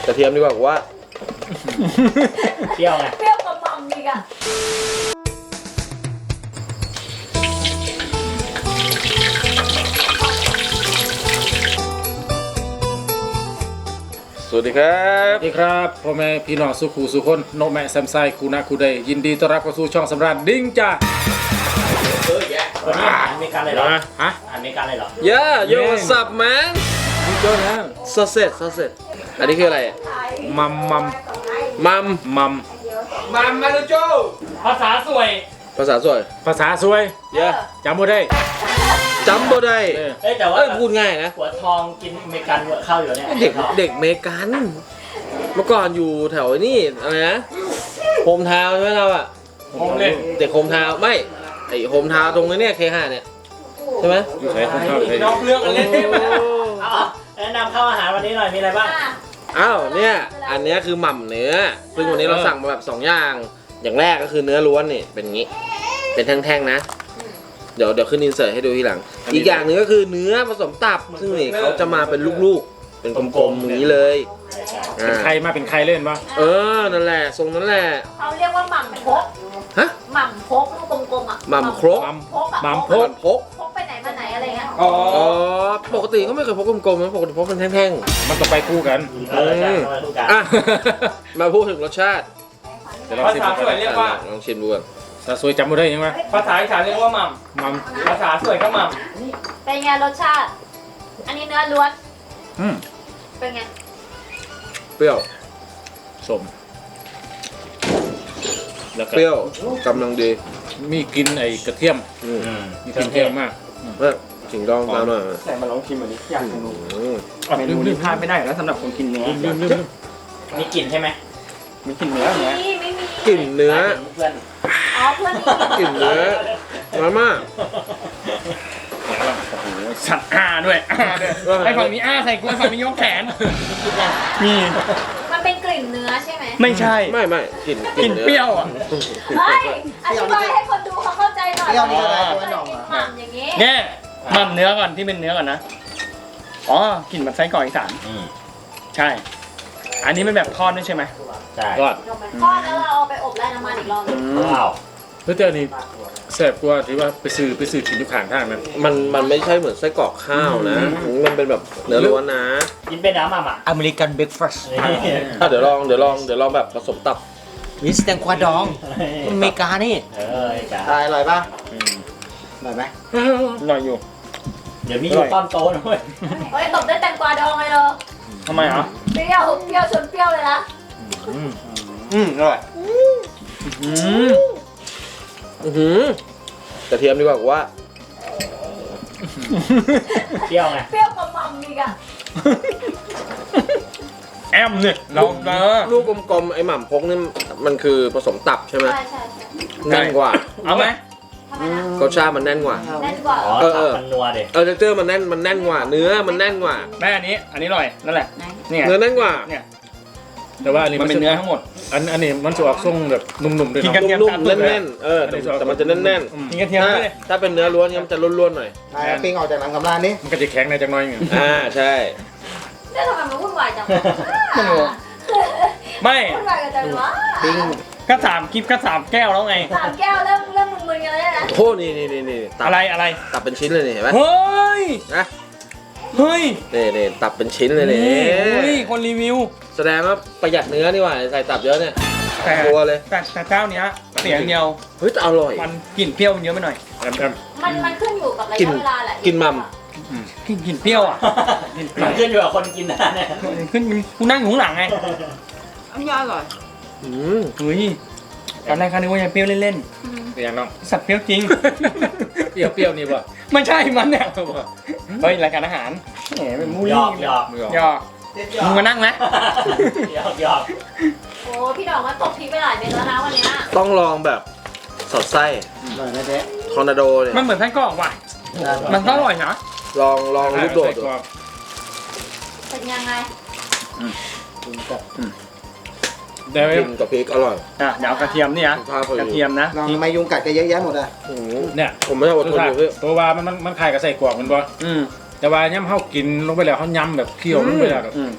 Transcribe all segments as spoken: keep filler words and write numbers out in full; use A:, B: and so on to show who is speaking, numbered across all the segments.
A: กระเทียมดีกว่าว่า
B: เปรี้ยวไง
C: เปรี้ยวกว่ามัมอีกอะ
A: สวัสดีครับ
D: สวัสดีครับพ่อแม่พี่น้องสุขูสุคนโนแม่แซมไซคูนาคูเดย์ยินดีต้อนรับเข้าสู่ช่องสำราญดิ้งจ้า
B: เฮ้ยแย่วันนี้อาหารอเมริกันเลยเหรอ
D: ฮะ
B: อาหารอเมริกันเลยเหรอ
A: Yeah yo what's up man
D: นี่ก็แล้ว
A: sausage sausage อันนี้คืออะไรอ่ะ
D: มัมมัม
A: มัม
D: มัม
A: มัมมาดูโจ
B: ภาษาสวย
A: ภาษาสวย
D: ภาษาสวย
A: Yeah
D: จำบ่ได้
A: จำบ่ได้
D: เออ
B: เอ้ยแต่ว่า
A: เอ้ยพูดง่ายนะ
B: หัวทองกินอเมริกันเข้าอยู่เนี่ย
A: เด็กเด็กเมกัน เมื่อก่อนอยู่แถวนี่อะไรนะโฮมทาวน์ใช่ไหมเราอ่ะ
B: ผมเล่น
A: เด็กโฮมทาวน์ไม่ไอโฮมทาวน์ตรงนี้เนี่ยเคห้าเนี่ยใช่ไหม
D: อยู่ไหนคนเข้าใคร
B: นอกเรื่องอะไรเอาแนะนำข้าวอาหารวันนี้หน่อยมีอะไรบ้าง
A: อ้าวเนี่ยอันนี้คือหม่ำเนื้อซึ่งวันนี้เราสั่งมาแบบสองอย่างอย่างแรกก็คือเนื้อล้วนนี่เป็นงี้เป็นแท่งๆนะเดี๋ยวเดี๋ยวขึ้นอินเสิร์ตให้ดูทีหลังอีกอย่างหนึ่งก็คือเนื้อผสมตับซึ่งนี่เขาจะมาเป็นลูกๆเป็นกลมๆอย่างนี้เลย
D: เป็นใครมาเป็นใครเล่นปะ
A: เออนั่นแหละทรงนั้นแหละ
C: เขาเรียกว่าหม่ำพก
A: ฮะ
C: หม่ำพกลูกกลมๆอ่ะ
A: หม่ำครก
D: มัม
C: พกอะ
D: มัมพ
A: พ
D: ก
A: กพก
C: พกไปไหนมาไหนอะไรเงี้ย
D: อ๋อ
A: อ๋อปกติเขาไม่เคยพกกลมๆนะปกติพกเป็นแท่ง
D: มันต้องไปคู่กัน
B: เออใช่มาดูกัน
A: ๆอ่ะมาพูดถึงรสชาติ
D: เดี๋ยวเรา
E: ภา
D: ชิม
E: ษาสวยเรียกว่า
A: ลองชิมดูก่อน
D: ภาษาสวยจำบ่ได้ยังไง
E: ภาษาอีสานเรียกว่าหม่
D: มัม
E: ำภาษาสวยก็หม่
C: เป็นไงรสชาติ อันนี้เนื้อล้วน
D: อืม
C: เป็นไง
A: เปรี้ยว
D: สมแล้วก็
A: เปรี้ยวกำลังดี
D: มีกลินไอ้กระเทียม
A: อืม
D: มีกลินเทียมมาก
A: เฮ้ยขิงดองตามมา
E: ำแต่มาลองชิมอันนี้อยากจะรู้
A: อืม
E: เมนูนี้พลาดไม่ได้อยู่แล้วสำหรับคนกินเนื้อ
D: ลืมลืมลืม
B: มีกลิ่นใช่ไหม
E: มีกินเนื้ออย่างเงี้ย
C: นี่ไม่มี
A: กลิ่นเนื้อ
B: เพื่อน
C: อ๋อเพื่อนนี่
A: กลิ่นเนื้อมาม่า
E: สัตว์อ้าด้วยอ้าด้วยไอ้ฝั่งนี้อ้าใส่กูไอ้ฝั่งนี้ยกแขนมี
C: มันเป็นกลิ่นเนื้อใช่ไหม
E: ไม่ใช่
A: ไม่ไม่กลิ่น
E: กินเปรี้ยวอ่ะ
C: เฮ้ยอธิบายให้คนดูเขาเข้าใจหน่อย
E: เปรี้ยวนี่ก็ได้
C: เคยกินหม่ำอย่างงี้
E: เนี่ยหม่ำเนื้อก่อนที่เป็นเนื้อก่อนนะอ๋อกลิ่นแบบไส้กรอกอีสาน
B: อืม
E: ใช่ อันนี้เป็นแบบทอดด้วยใช่ไหม
B: ใช่
D: รอด
C: ทอดแล้วเราเอาไปอบไร้น้ำมันอีกรอบหนึ่ง
B: ว้าว
D: เพื่อเจ้านี่แซ่บกว่าที่ว่าไปซื้อไปซื้อกินอยู่ข้างทางนั้น
A: มันมันไม่ใช่เหมือนไส้กรอกข้าวนะ มันเป็นแบบเนื้อล้วนนะ
B: กินเป็นน้ำอ่ะอ่ะ
F: อเมริกันเบรคฟาสต์
A: อ่ะเดี๋ยวลองเดี๋ยวลองเดี๋ยวลองแบบผสมตับ
F: วิสแตงกวาดองอเมริกานี่
B: เออจ้า
F: อร่อยป่ะอร่อยไหม
E: อร่อยอยู่
B: เดี๋ยวมีอยู่ต้อนโตนะเว้ย
C: เฮ้ยตบด้วยแตงกวาดองเลยเหรอ
E: ทำไมอ่ะ
C: เปรี้ยวเปรี้ยวชนเปรี้ยวเลยนะ
E: อืมอร่อยอืม
A: อือหือกระเทียมดีกว่าว่า
B: เปรี้ยวไง
C: เปรี้ยวกว่ามัมอีกอะ
E: แอมเนี่ยเราเออ
A: ลูกกลมๆไอ้หม่ำพกนี่มันคือผสมตับใช่ไหม
C: ใช่ใช่ใช่
A: แน่นกว่า
E: เอาไหม
C: ทำไมนะ
A: รสชาติมันแน่นกว่า
C: แน่นกว่า
B: อ๋อ
A: เออเอ
B: ตับ
A: อ
B: มันนัวเด็
A: เออเจอร์มันแน่นมันแน่นกว่า เนื้อมันแน่นกว่า
E: แม่อันนี้ อันนี้อร่อยนั่นแหละเนี่ย
A: เนื้อแน่นกว่า
E: เนี่ย
D: แต่ว่าอันนี้
E: มันเป็นเนื้อทั้งหมด
D: อันอันนี้มันจะออกทรงแบบนุ่มๆด้วย
E: กิน
D: เนาะ
E: กัน
A: นุ่มๆแน่นๆเออแต่แต่มันจะแน่น
D: อืม
E: กินกระเทียม
A: ๆถ้า
E: ด้วย
A: ถ้าเป็นเนื้อล้วนเนี่ยมันจะล้วนๆหน่อย
F: นายปิ้งออกจากหนังกำลานนี่
D: มันก็จะแข็งในจังน้อยอย่างเงี้ย
A: อ่าใช่
C: เนี่ยทำไมมันวุ่นวายจัง
E: ไม่รู้ไม่
C: วุ่นวายกันจังวะ
E: ก็สามคลิปก็สามแก้วแล้วไง
C: สามแก้วเริ่มเริ่มมึนๆกันแล้วนะ
A: โอ้นี่นี่นี่นี่ตับ
E: อะไรอะไร
A: ตับเป็นชิ้นเลยนี่เห็นไหม
E: เฮ้ย
A: นะ
E: เฮ้ย
A: นี่นี่ตับเป็นชิ้นเลยนี่
E: เฮ้ยคนรีวิว
A: แสดงว่าประหยัดเนื้อนี่หว่าใส่ตับเยอะเนี่ย
E: แต่
A: กลัวเลย
E: แต่แต่เจ้าเนี้ยเสียอย่างเดียว
A: เฮ้ยแต่อร่อย
E: มันกลิ่นเปรี้ยวมันเยอะไปหน่อย
D: แอมแอม
C: มันมันขึ้นอยู่กับระ
A: กิน
C: ยะเวลาแหละ
A: กินมัม
E: กลิ่นกลิ่นเปรี้ยวอ่ะกลิ่นเปรี้
B: มั
E: ยวน
B: ขึ้นอยู่กับคนกินนะเนี่ย
E: ขึ้นกูนั่งอยู่ข้างหลังไง
A: อืม
E: เฮ้ยตอนแรกเขาคิดว่าจะเปรี้ยวเล่น
D: เป็นยังน้อง
E: ๆสัตว์เปรี้ยวจริง
D: เปรี้ยวเปรี้ยวนี่ป่ะ
E: ไม่ใช่มันเนี่ยเฮ้ยรายการอาหารแหมเป็นมู
B: หย
E: ลี่
B: อกหยอก
D: มือออก
E: หยอกมึงมานั่งไหม
B: หยอกหยอก
C: โอ้พี่ดอกมาตบพริกไปหลายเม็ดแล้วนะวันเนี้ย
A: ต้องลองแบบสอดไส้
F: อร่อยไหมเจ๊
A: ทอร์นาโดเนี่ย
E: มันเหมือนไส้กรอกว่ะมันก็อร่อยนะ
A: ลองลองลูกโดดดู
D: ใส่กรอก
C: เป็นยังไง
F: กินกับ
D: เดี๋ยว
A: กินกับพริกอร่อย
E: อ่ะเดี๋ยวเอากระเทียมนี่นะ
A: ข้าวพอดี
E: กระเทียมนะ
F: ลองทำไมยุงกัดก็เยอะแยะหมดอ่ะ
A: อืม
D: เนี่ย
A: ผมไม่ได้อดทนอยู่พี่
D: ตัวว่ามันมันมันคล้ายกับใส่กรอกมันบ่
E: อืม
D: แต่ว่าย่ำเฮากินลงไปแล้วเฮาย่ำแบบเคี่ยวลงไปแล้วแบบ
E: อืม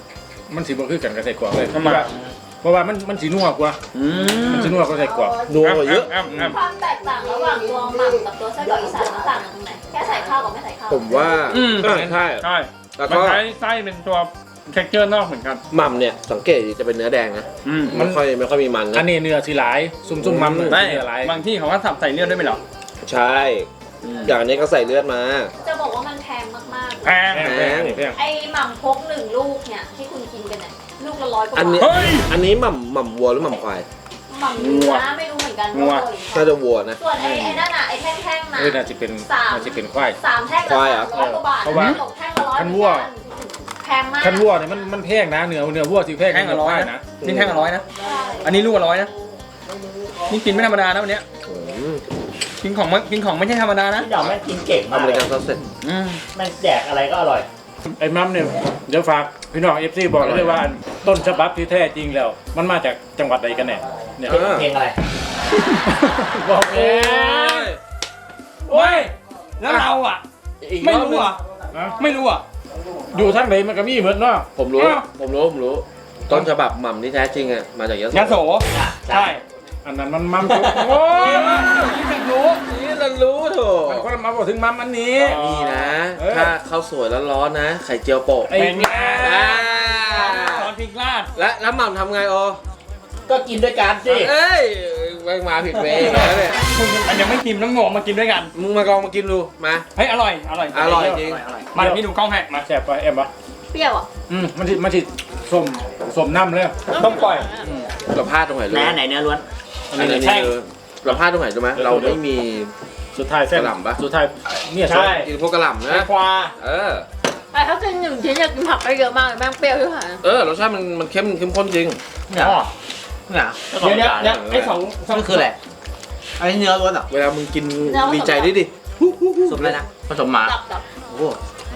D: มันสิบ่คือกันกับใส่กรอกเลย
E: ทำไม
D: เพราะว่ามันมันสีนัวกว่า
E: อืม
D: มันสีนัวกว่าใส่กรอก
A: นัวกว่าเยอะ
E: อ้ำอ้ำ
C: ความแตกต่างระหว่างตัวหม่ำกับตัวไส้กรอกอีสานมันต่างกันตรงไหนแค่ใส่ข้าวกับไม่ใส่ข้าว
A: ผมว่า
E: อืม
A: เออใช่
E: ใช่
A: แล้ว
E: มัน
A: ก็
E: ใช้ไส้เป็นตัวเท็กเจอร์นอกเหมือนกัน
A: หม่ำเนี่ยสังเกตดีจะเป็นเนื้อแดงนะ
E: อืม
A: ไม่ค่อยไม่ค่อยมีมัน
D: อั
A: นะ
D: นนี้เนื้อสีหลายซุ่มๆมัน
E: ไม่
D: เนื้อหลาย
E: บางที่เขาก็สับใส่เลือดด้วยไหมเหรอ
A: ใช่ อย่างนี้ก็ใส่เลือดมา
C: จะบอกว่ามันแพงมาก
E: แพง
D: แพงแพงแพง
C: ๆไอ้หม่ำพกหนึ่งลูกเนี่ยที่คุณกินกันเนี่ยลูกละร้อยกว่า
A: อันนี้
C: บาท
E: เฮ้ย
A: อันนี้หม่ำหม่ำวัวหรือหม่ำควาย
C: หม่ำเนื้อไม่รู้เหมือนกัน
E: งัว
C: ว่าเกาหลี
A: น่าจะวัวนะ
C: ส่วนไอ้ไอ้นั่นอ่ะไอ้แท่งๆน่ะ
D: เออน่าจะเป็น
C: สาม
D: น่าจะเป็นควาย
C: สามแท่ง
A: ควาย
C: ละ
A: เหรอ
C: สามร้อยกว่าบาท
D: เพราะว่า
C: ตกแท่งละร้อย
D: คันวัว
C: แพงมาก
D: คันวัวเนี่ยมันมันแพงนะเนื้อเนื้อวัวสิแพง
E: แท่งละร้อย
D: ควา
E: นะ
D: นะ
E: นี่แท่งละร้อยนะ อันนี้ลูกละร้อยนะ นี่กินไม่ธรรมดานะวันเนี้ย
A: อืม
E: กินของไม่กินของไม่ใช่ธรรมดานะ
B: พี่ดอกแม่งกินเก่ง
A: อ
B: มาก
A: เม
B: เล
A: ริ
B: ย
A: กันซอสเสร็จ
E: อืม
B: แม่งแดกอะไรก็อร่อย
D: ไอ้มัมเนี่ยเดี๋ยวฝากพี่น้องเอฟซีบอกเลยว่าต้นฉบับที่แท้จริงแล้ว มันมาจากจังหวัดใดกันแน่เนี่ย
A: อ่า
B: เพลงอะไร
D: บอกเอ
E: โอ้ย แล้วเราอ่ะ
A: อีก
E: ไม่
A: รอบห
E: รู้
A: นึ่ง
E: อ่ะ
D: นะ
E: ไม่รู้อ่ะ
D: อยู่ทางไหนมันก็มีเหมือนเนาะ
A: ผมรู้
E: อ้าว
A: ผมรู้ ผมรู้ ต้นฉบับหม่ำที่แท้จริงอ่ะ มาจากยะ
E: ยะโส
B: ใช่
E: ใช่
D: อันนั้นมันมัมจุโอ้ย
E: นี่ไม่รู้
A: นี่เรารู้โถ
D: มันคนละมาบอกถึงมัมอันนี้
A: นี่นะ
D: เออ
A: ถ้าข้าวสวยร้อนๆนะ ไข่เจียวโปะ
D: ไอ้
E: เป็นไง
A: อ่า
E: ตอนพริกลาด
A: และแล้วหม่ำทำไงโอ
B: ก็กินด้วยกันสิ
A: เอ้ยแม่งมาผิดเวย์อีกแล้วเนี่ย
E: มันยังไม่กินต้องงงมากินด้วยกัน
A: มึงมากลองมากินดู มา
E: เฮ้ยอร่อย อร่อย
A: อร่อยจริง
E: มาเดี๋ยวพี่ดูกล้องให้มา
D: แซ่บปะเอ็มปะ
C: เปรี้ยวอ่ะ
D: อืมมันทิมันทิส้มส้มน้ำเลย
E: ต้องปล่อย
A: เราพลาดตรงไหนรู้
B: แหน
A: ไหม
B: ไหนเนื้อล้วน
D: อัน
A: อัน
D: นี้
A: นี้
E: แท่ง
A: คือเราพลาดตรงไหนรู้ไหมเราไม่มี
D: สุดท้ายเส้น
A: กระหล่ำปะ
D: สุดท้ายเนี่ย
E: ใช่
A: กินพวกกระหล่ำ
E: แต
A: นะ
E: งกวา
A: เออ
C: แต่ถ้ากินหนึ่งชิ้นอยากกินผักไปเยอะมากเลยแม่งเปรี้ยวที่หาย
A: เออรสชาติมันมันเข้มเข้มข้นจริง
B: เนี่ยเนี่ย
E: เดี๋ยวเดี๋ยวเดี๋ยวไอ้สองสอง
B: นี่คืออะไรอันนี้เนื้อล้วนเหรอ
A: เวลามึงกินดีใจด้วยดิ
B: ผสมอะไรนะผสมหมา
C: ดับดับ
B: โอ้โห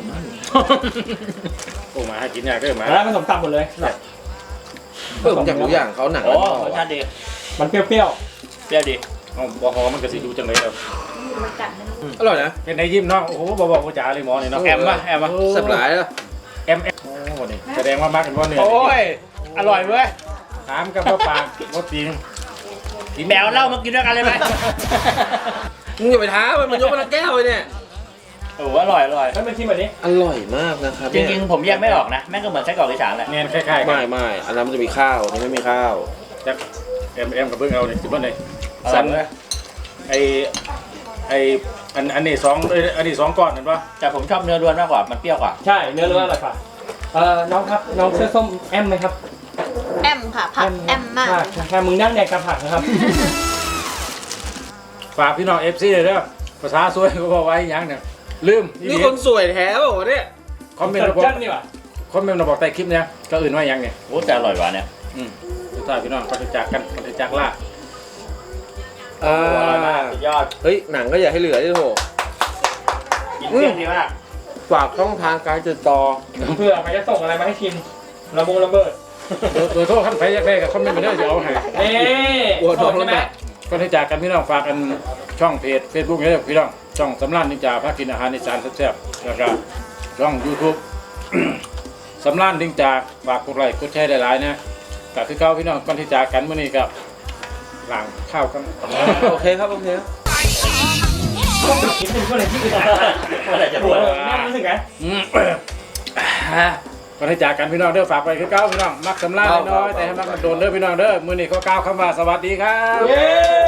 D: โอ้มาให้กินยากเด้อมา
E: แล้วผสมตับหมดเลย
A: เออผมอยากรู้อย่างเขาหนัง
B: โอ้
A: มัน
B: รสชาติดี
E: มันเปรี้ยว
B: เปรี้ยวดี
D: อ๋อบอฮอมันก็สิดูจังเลยครับ
C: มันกัดไม่รู้
A: อร่อยนะ
D: เป็นในยิ้มเนาะโอ้โหบอบอกว่าจ๋าเลยหมอนี่เนาะ
E: ๆแอมป่ะแอมป่ะ
A: แซ่บหลายแล้ว
D: แอมแอมโอ้นี่แสดงว่ามักกันว่าเนื้อ
E: โอ้ย อร่อยเว้ย
D: ถามกับว่าปากว่าตีน
B: แมวเหล้ามากินด้วยกันเลยไหม
A: มึงอย่าไปท้ามันมันยกมาละแก้วเลยเนี่ย
E: โอ้อร่อยอร่อยให้มันชิมแบบนี้
A: อร่อยมากนะครับ
B: จริงๆผมแยกไม่ออกนะ แม่งก็เหมือนไส้กรอกอีสานแหละ
D: เนียนคล้ายๆกั
A: ไม่
D: น
A: ไม่อันนั้นมันจะมีข้าวอันนี้ไม่มีข้าว
D: จากแอมแอมกับเบิ้งเอาเนี่ยสิบวันเลย
E: สั
D: สั
E: น
D: น
E: เลย
D: ไอไออันอันนี้สองเอ้ยอันนี้สองก้อนเห็นปะ
B: แต่ผมชอบเนื้อล้วนมากกว่า มันเปรี้ยวกว่า
E: ใช่ เนื้อเลือดอะไรป่ะเอ่อ น้องครับ น้องเสื้อส้มแอมไหมครับ
C: แอมค่ะผักแอมมาก
E: ค่ะแค่มึงนั่งแดกกับผักนะครับ
D: ฝากพี่น้องเอฟซีเลยเด้อภาษาสวยก็บอกไว้อย่างเนี่ยลืม
A: นี่คนสวยแท้เปล่าวะเนี่ย
D: คอมเมนต์มาบอก
E: จัดนี่ว่ะ
D: คอมเมนต์มาบอกใต้คลิปเนี่ยก็อื่นว่าอย่างเนี่ย
B: โอ้แต่อร่อยกว่าเนี่ย
D: อืมสุดท้ายพี่น้องก็จะจากกันก็จะจากล่า
A: อ่า
B: อร่อยมากสุดยอด
A: เฮ้ยหนังก็อย่าให้เหลือดิโถ
B: กินเปรี้ยวดีมาก
A: ฝากช่องทางการติดต่อ
E: เพื่อใครจะส่งอะไรมาให้ชิมระบงระเบิด
D: เบอร์เบอร์โทรขั้นไฟแยกได้กับคอมเมนต์มาเด้อจะเอาให้
E: เอ๊ะ
A: วัวทอง
E: ใช่ไหม
A: แล้ว
D: ก็จะจากกันพี่น้องฝากกันช่องเพจเฟซบุ๊กเนี่ยพี่น้องช่องสำรานนินจาพากินอาหารในจานแซ่บๆแล้วก็ช่องยูทูบ สำรานนินจาฝากกดไลค์กดแชร์ได้หลายๆนะแต่คือเก้าพี่น้องก่อนที่จากกันเมื่อนี้กับหลังข้าวกัน
A: โอเคครับโอเคครับ
E: คิดถึงก็เลยที่อื่น
B: เมื่อไหร่จะพูด
E: นั่งรู้สึกไง
D: อืม ก่อนที่จากกันพี่น้องเด้อฝากไปคือเก้าพี่น้องมักสำรานน้อยๆแต่ให้มักมันโดนเด้อพี่น้องเด้อมื้อนี้ก็ก้าวคำว่าสวัสดีครับ
E: เย้